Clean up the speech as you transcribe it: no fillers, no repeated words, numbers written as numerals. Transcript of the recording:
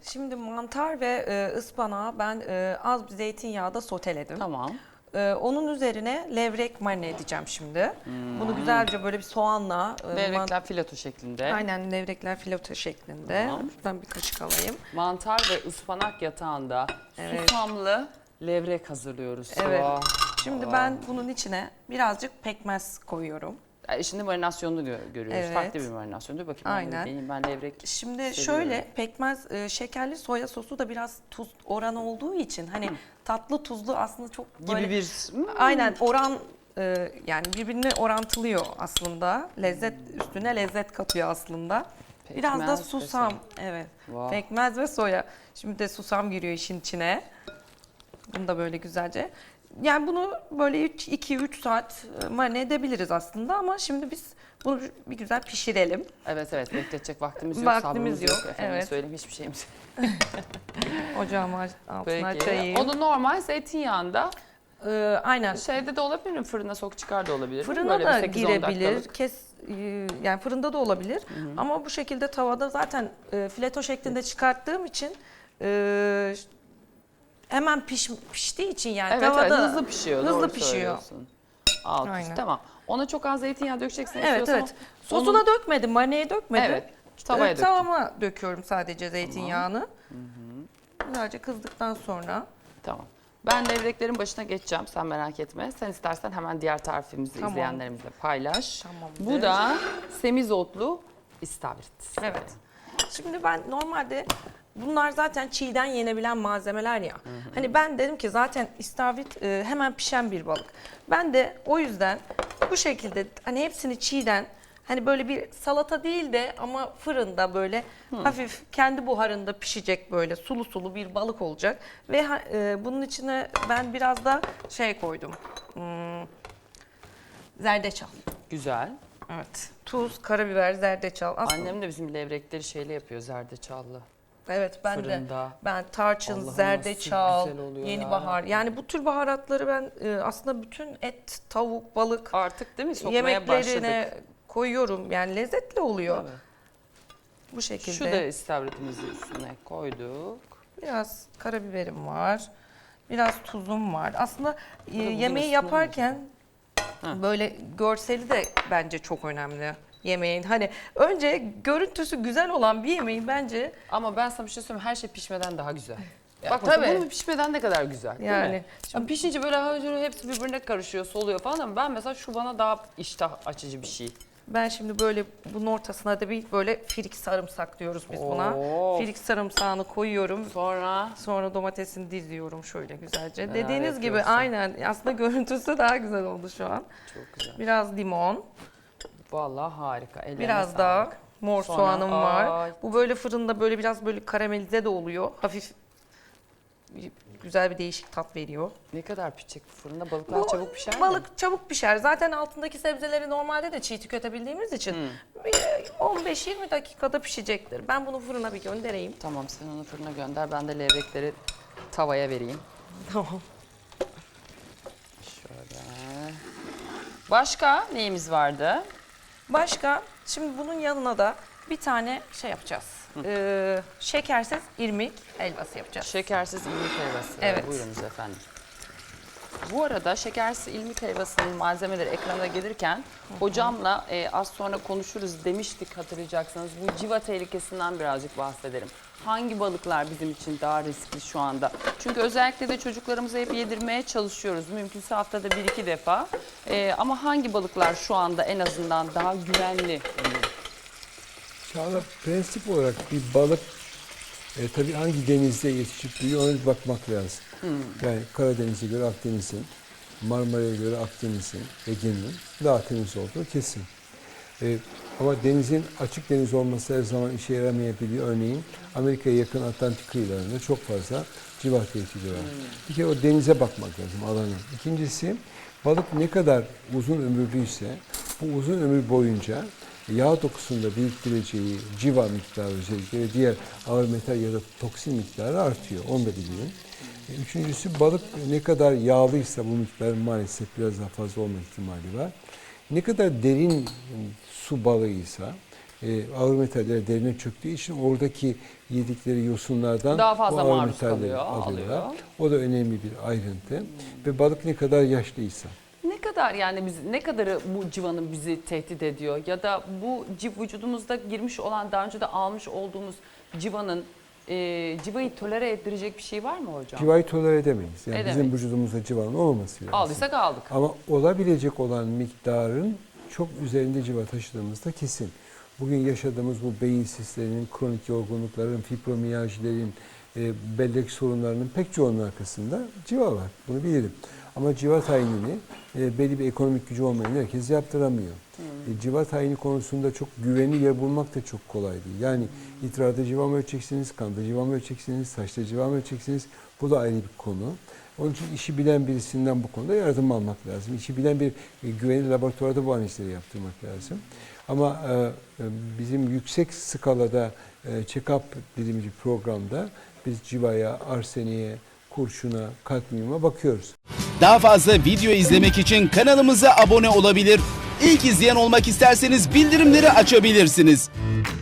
Şimdi mantar ve ıspanağı ben az bir zeytinyağda soteledim. Tamam. Onun üzerine levrek marine edeceğim şimdi. Bunu güzelce böyle bir soğanla... Levrekler fileto şeklinde. Aynen, levrekler fileto şeklinde. Tamam. Şuradan bir kaşık alayım. Mantar ve ıspanak yatağında Evet. susamlı levrek hazırlıyoruz. Evet. Vah. Şimdi ben bunun içine birazcık pekmez koyuyorum. Şimdi marinasyonunu görüyoruz. Evet. Farklı bir marinasyon. Dur bakayım. Aynen. Ben levrek Şimdi seviyorum. şöyle pekmez, şekerli soya sosu da biraz tuz oranı olduğu için hani tatlı tuzlu aslında çok gibi böyle... bir... Aynen oran yani birbirini orantılıyor aslında. Lezzet üstüne lezzet katıyor aslında. Biraz da Pekmez ve susam. soya. Evet. Vah. Pekmez ve soya. Şimdi de susam giriyor işin içine. Bunu da böyle güzelce. Yani bunu böyle 2-3 saat marine edebiliriz aslında ama şimdi biz bunu bir güzel pişirelim. Evet bekletecek vaktimiz yok. Vaktimiz sabrımız yok, Efendim evet. söyleyeyim hiçbir şeyimiz. Ocağımı altına Peki. açayım. Onu normal zeytinyağında Aynen. şeyde de olabilir mi? Fırına sok çıkar da olabilir mi? Fırına Böyle da bir 8-10 girebilir. dakikalık. Yani fırında da olabilir. Ama bu şekilde tavada zaten fileto şeklinde çıkarttığım için hemen piştiği için yani Evet, tavada hızlı pişiyor. Hızlı doğru pişiyor. söylüyorsun. Alt üst, Aynen. tamam. Ona çok az zeytinyağı dökeceksin. Evet istiyorsan evet. Sosuna dökmedim, marineye dökmedim. Evet, tavaya döktüm. Tavama döküyorum sadece zeytinyağını. Güzelce kızdıktan sonra. Tamam. Ben levreklerin başına geçeceğim. Sen merak etme. Sen istersen hemen diğer tarifimizi Tamam. izleyenlerimizle paylaş. Tamamdır. Bu da semizotlu istavrit. Evet. Şimdi ben normalde bunlar zaten çiğden yenebilen malzemeler ya. Hani ben dedim ki zaten istavrit hemen pişen bir balık. Ben de o yüzden bu şekilde hani hepsini çiğden hani böyle bir salata değil de ama fırında böyle hafif kendi buharında pişecek böyle sulu sulu bir balık olacak. Ve bunun içine ben biraz da şey koydum. Zerdeçal. Güzel. Evet. Tuz, karabiber, zerdeçal. Aslında Annem de bizim levrekleri şeyle yapıyor, zerdeçallı. evet ben Fırında. de. Ben tarçın, Allah'ım zerdeçal, nasıl güzel oluyor yeni ya. bahar. Yani bu tür baharatları ben aslında bütün et, tavuk, balık Artık değil mi? Sokmaya yemeklerine başladık. koyuyorum. Yani lezzetli oluyor. Evet. Bu şekilde. Şu da istavritimizi üstüne koyduk. Biraz karabiberim var. Biraz tuzum var. Aslında bugün yemeği ısınıyor yaparken böyle görseli de bence çok önemli. Yemeğin hani önce görüntüsü güzel olan bir yemeğin bence Ama ben sana bir şey söyleyeyim, her şey pişmeden daha güzel. Ya Bak mesela tabii. bunu pişmeden ne kadar güzel değil Yani mi? Şimdi pişince böyle hacı hepsi birbirine karışıyor, soluyor falan ama ben mesela şu bana daha iştah açıcı bir şey. ben şimdi böyle bunun ortasına da bir böyle firik sarımsak diyoruz biz buna. Of. Firik sarımsağını koyuyorum. Sonra Sonra domatesini diziyorum şöyle güzelce. Neler Dediğiniz gibi yapıyorsun? aynen aslında görüntüsü daha güzel oldu şu an. çok güzel. Biraz limon, Vallahi harika. Ellerine biraz daha sağlık. mor Sonra- soğanım var. Ay. Bu böyle fırında böyle biraz böyle karamelize de oluyor. Hafif güzel bir değişik tat veriyor. Ne kadar pişecek bu fırında? Balıklar çabuk pişer mi? Balık çabuk pişer. Zaten altındaki sebzeleri normalde de çiğ tüketebildiğimiz için bir 15-20 dakikada pişecektir. Ben bunu fırına bir göndereyim. Tamam, sen onu fırına gönder. Ben de levrekleri tavaya vereyim. Tamam. Şöyle. Başka neyimiz vardı? Başka, şimdi bunun yanına da bir tane şey yapacağız. Şekersiz irmik helvası yapacağız. Şekersiz ilmik helvası. Evet. Buyurunuz efendim. Bu arada şekersiz ilmik helvasının malzemeleri ekrana gelirken hocamla az sonra konuşuruz demiştik, hatırlayacaksınız. Bu civa tehlikesinden birazcık bahsedelim. Hangi balıklar bizim için daha riskli şu anda? Çünkü özellikle de çocuklarımıza hep yedirmeye çalışıyoruz. Mümkünse haftada 1-2 defa. Ama hangi balıklar şu anda en azından daha güvenli? Çağla, prensip olarak bir balık tabii hangi denizde yetişip büyüyor ona bir bakmak lazım. Yani Karadeniz'e göre Akdeniz'in, Marmara'ya göre Akdeniz'in, Ege'nin daha temiz olduğu kesin. Ama denizin açık deniz olması her zaman işe yaramayabiliyor. Örneğin Amerika'ya yakın Atlantik kıyılarında çok fazla civa tehdidi var. Bir kere o denize bakmak lazım, alana. İkincisi, balık ne kadar uzun ömürlüyse bu uzun ömür boyunca yağ dokusunda biriktireceği civa miktarı özellikle ve diğer ağır metal ya da toksin miktarı artıyor. Onu da bilin. Üçüncüsü, balık ne kadar yağlıysa bu miktar maalesef biraz daha fazla olma ihtimali var. Ne kadar derin su balığıysa ağır metaller derine çöktüğü için oradaki yedikleri yosunlardan Daha fazla bu ağır maruz metalleri kalıyor, alıyorlar. alıyor. O da önemli bir ayrıntı. Ve balık ne kadar yaşlıysa. Ne kadar yani ne kadarı bu civanın bizi tehdit ediyor ya da bu vücudumuzda girmiş olan daha önce de almış olduğumuz civanın civayı tolere ettirecek bir şey var mı hocam? Civayı tolere edemeyiz. Yani Edemeyiz. bizim vücudumuzda civanın olmaması lazım. Aldıysak aldık. Ama olabilecek olan miktarın çok üzerinde civa taşıdığımız da kesin. Bugün yaşadığımız bu beyin sislerinin, kronik yorgunlukların, fibromiyaljilerin, bellek sorunlarının pek çoğunun arkasında civa var. Bunu bilirim. Ama civa tayinini belli bir ekonomik gücü olmayan herkes yaptıramıyor. Civa tayini konusunda çok güvenli yer bulmak da çok kolay değil. Yani idrarda civa mı ölçeceksiniz, kanda civa mı ölçeceksiniz, saçta civa mı ölçeceksiniz? Bu da ayrı bir konu. Onun için işi bilen birisinden bu konuda yardım almak lazım. İşi bilen bir güvenli laboratuvarda bu analizleri yaptırmak lazım. Ama bizim yüksek skalada check-up dediğimiz bir programda biz civaya, arseniye, kurşuna, kadmiyuma bakıyoruz. Daha fazla video izlemek için kanalımıza abone olabilir. İlk izleyen olmak isterseniz bildirimleri açabilirsiniz.